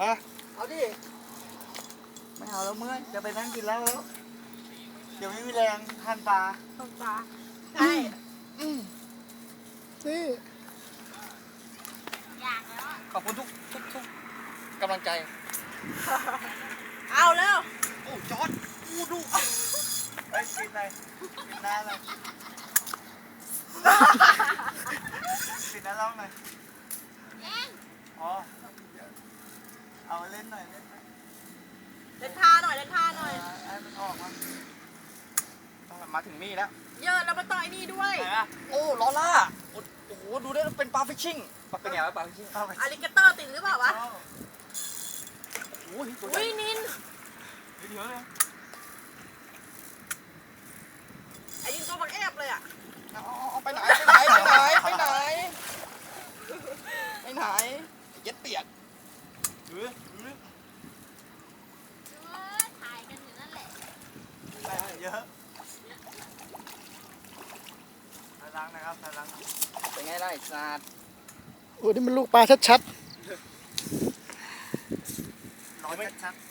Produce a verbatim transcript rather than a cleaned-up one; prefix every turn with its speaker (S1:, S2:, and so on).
S1: ฮะ
S2: เอาดิ
S1: ไม่เอาแล้วเมื่อยจะไปนั่งกินแล้วแล้วเดี๋ยวไม่มีแรงทานปลา
S2: ต้นปลาใช่
S3: นี่
S2: อยากแล้ว
S1: ขอบคุณทุกทุกทุกกำลังใจ
S2: เอาแล้ว
S1: โอ้จอดอู้ดูไปกินอะไรกินน้ำอะไรกินน้ำร้องหน่อยอ๋อเอาเล่นหน่อยเล่นหน่อย
S2: เล่นท่าหน่อยเล่นท่าหน่อย
S1: ให้มันออกมามาถึงนี่แล้ว
S2: เยอะแล้วมาต่อยนี่ด้วย
S1: ไหนอะโอ้ลอล่าโอ้โหดูได้เป็นปลาฟิชชิ่งเป็นไงวะปลาฟิชชิ่ง
S2: อาลิเกเตอร์ติดหรือเปล่าวะ
S1: โอ้ยตัวใหญ่
S2: อุ้ยนิน
S1: เยอะเลย
S2: ไอ้ยิงตัวบักแอบเลยอ่ะ
S1: เอาไปไหนไปไหนไปไหนไปไหนไปไหนเย็ดเปียกหรือหรือ
S2: ถ่ายกันอยู่นั่นแหละ
S1: ไปเยอะพลังนะครับพลังเป็นไงล่ะไอ้สัตว์
S3: โอ้นี่มันลูกปลาชัด
S1: ร้อยชัด